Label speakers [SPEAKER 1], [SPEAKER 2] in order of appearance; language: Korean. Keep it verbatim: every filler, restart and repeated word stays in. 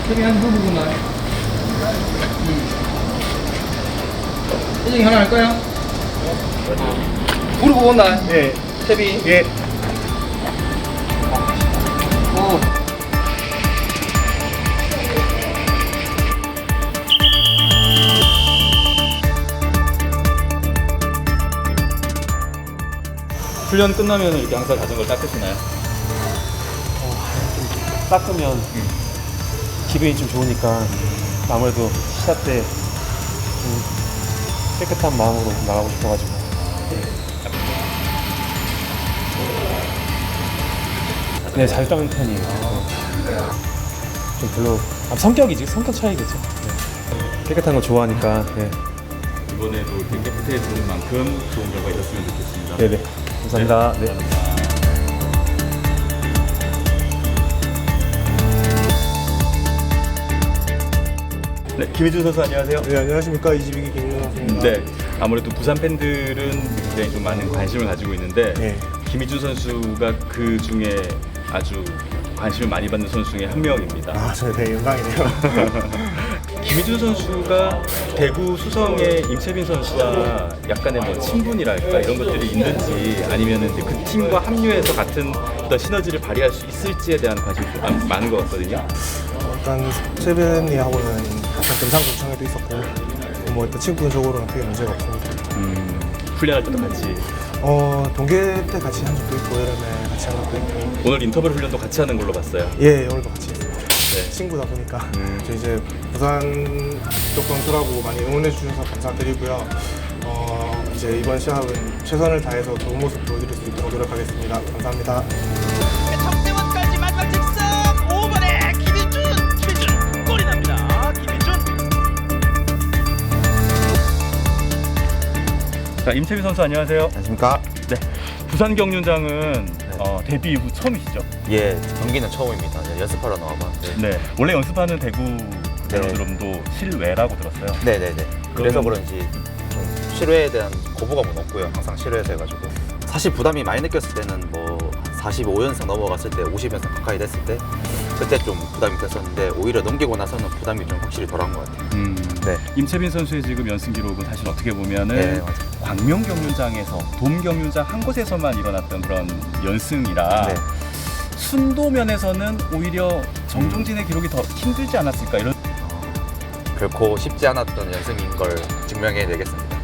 [SPEAKER 1] 저기 한 부분만. 음. 선생님 하나 할까요? 무릎 온다.
[SPEAKER 2] 예.
[SPEAKER 1] 채비.
[SPEAKER 2] 예.
[SPEAKER 1] 오.
[SPEAKER 3] 훈련 끝나면 이렇게 항상 자전거를 닦으시나요?
[SPEAKER 2] 닦으면 기분이 좀 좋으니까 아무래도 시합 때 좀 깨끗한 마음으로 나가고 싶어가지고. 네, 잘 닦는 편이에요. 좀 별로 아, 성격이지 성격 차이겠죠. 네. 깨끗한 거 좋아하니까. 네.
[SPEAKER 3] 이번에도 이렇게 깨끗해지는 만큼 좋은 결과 있었으면 좋겠습니다.
[SPEAKER 2] 네네. 감사합니다. 네.
[SPEAKER 3] 네, 김희준 선수 안녕하세요.
[SPEAKER 4] 네, 안녕하십니까. 이지비기 김민호 선수입니다.
[SPEAKER 3] 네, 아무래도 부산 팬들은 굉장히 좀 많은 관심을 가지고 있는데
[SPEAKER 4] 네.
[SPEAKER 3] 김희준 선수가 그 중에 아주 관심을 많이 받는 선수 중에 한 명입니다.
[SPEAKER 4] 아, 저 되게 영광이네요.
[SPEAKER 3] 김희준 선수가 대구 수성의 임채빈 선수와 약간의 뭐 친분이랄까 이런 것들이 있는지 아니면은 이제 그 팀과 합류해서 같은 어떤 시너지를 발휘할 수 있을지에 대한 관심이 좀 많- 많은 것 같거든요.
[SPEAKER 4] 일단 세븐이하고는 같은 금상구청에도 있었고, 뭐 일단 친구적으로는 크게 문제가 없습니다.
[SPEAKER 3] 음, 훈련할 때도 같이
[SPEAKER 4] 어, 동계 때 같이 한 적도 있고, 여름에 같이 한 적도 있고.
[SPEAKER 3] 오늘 인터벌 훈련도 같이 하는 걸로 봤어요.
[SPEAKER 4] 예, 오늘도 같이 했어요.
[SPEAKER 3] 네.
[SPEAKER 4] 친구다 보니까.
[SPEAKER 3] 음.
[SPEAKER 4] 저 이제 부산 쪽 선수라고 많이 응원해 주셔서 감사드리고요. 어, 이제 이번 시합은 최선을 다해서 좋은 모습 보여드릴 수 있도록 노력하겠습니다. 감사합니다.
[SPEAKER 5] 정대원까지 마지막 직선 오 번에 김희준 김희준 골이 납니다. 김희준
[SPEAKER 3] 자, 임채빈 선수 안녕하세요.
[SPEAKER 6] 안녕하십니까?
[SPEAKER 3] 네, 부산 경륜장은 어, 데뷔 이후 처음이시죠?
[SPEAKER 6] 예, 경기는 처음입니다. 네, 연습하러 나와봤는데.
[SPEAKER 3] 네, 원래 연습하는 대구 베로드롬도 실외라고 들었어요.
[SPEAKER 6] 네네네. 그래서
[SPEAKER 3] 그러면-
[SPEAKER 6] 그런지 좀 실외에 대한 거부감은 없고요. 항상 실외에서 해가지고. 사실 부담이 많이 느꼈을 때는 뭐 사십오 연승 넘어갔을 때 오십 연승 가까이 됐을 때 그때 좀 부담이 됐었는데 오히려 넘기고 나서는 부담이 좀 확실히 덜한 것 같아요.
[SPEAKER 3] 음,
[SPEAKER 6] 네.
[SPEAKER 3] 임채빈 선수의 지금 연승 기록은 사실 어떻게 보면은
[SPEAKER 6] 네, 맞아요.
[SPEAKER 3] 광명 경륜장에서 돔 경륜장 한 곳에서만 일어났던 그런 연승이라
[SPEAKER 6] 네.
[SPEAKER 3] 순도 면에서는 오히려 정종진의 기록이 더 힘들지 않았을까 이런.
[SPEAKER 6] 결코 쉽지 않았던 연승인 걸 증명해내겠습니다.